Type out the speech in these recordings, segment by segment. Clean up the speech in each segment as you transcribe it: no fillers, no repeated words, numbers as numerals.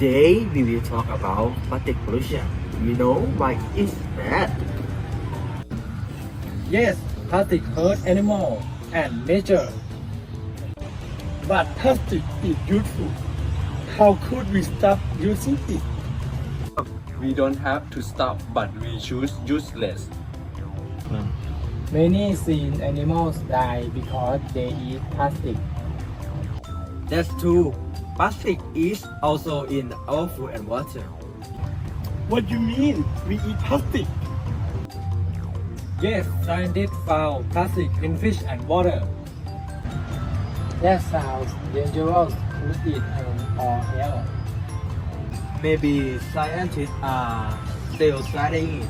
Today we will talk about plastic pollution. You know why it's bad? Yes, plastic hurt animals and nature. But plastic is useful. How could we stop using it? We don't have to stop, but we choose useless. Many sea animals die because they eat plastic. That's true. Plastic is also in our food and water. What do you mean? We eat plastic? Yes, scientists found plastic in fish and water. That sounds dangerous to eat or health. Maybe scientists are still studying it.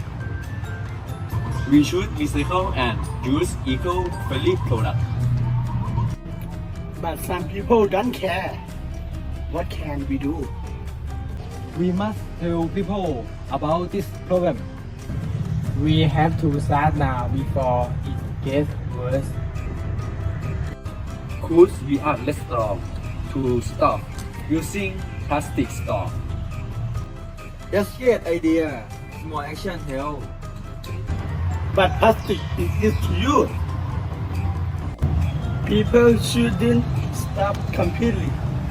We should recycle and use eco-friendly products. But some people don't care. What can we do? We must tell people about this problem. We have to start now before it gets worse. Could we are less strong to stop using plastic straw? That's a great idea. Small action help. But plastic is easy to use. People shouldn't stop completely.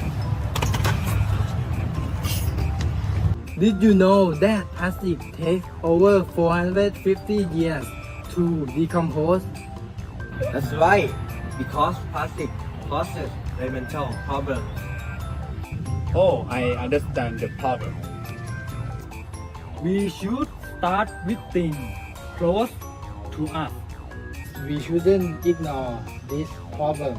Did you know that plastic takes over 450 years to decompose? That's right. Because plastic causes environmental problems. Oh, I understand the problem. We should start with things close to us. We shouldn't ignore this problem.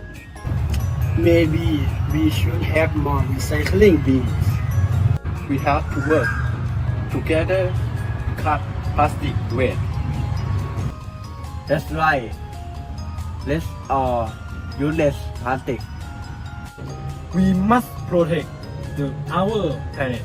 Maybe we should have more recycling bins. We have to work together to cut plastic waste. That's right. Let's all use less plastic. We must protect our planet.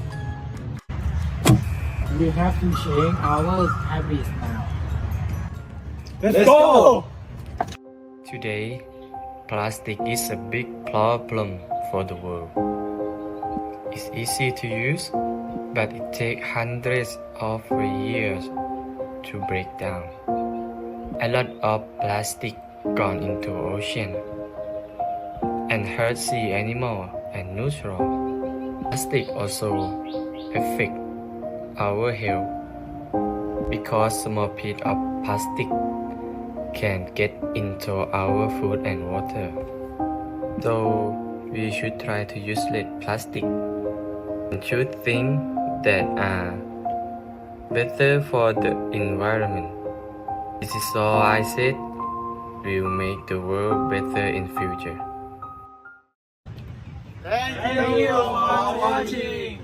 We have to change our habits now. Let's go! Today, plastic is a big problem for the world. It's easy to use, but it takes hundreds of years to break down. A lot of plastic gone into ocean and hurt sea animal and neutral. Plastic also affect our health because small piece of plastic can get into our food and water. So we should try to use less plastic and choose things that are better for the environment. This is all I said. Will make the world better in future. Thank you for watching.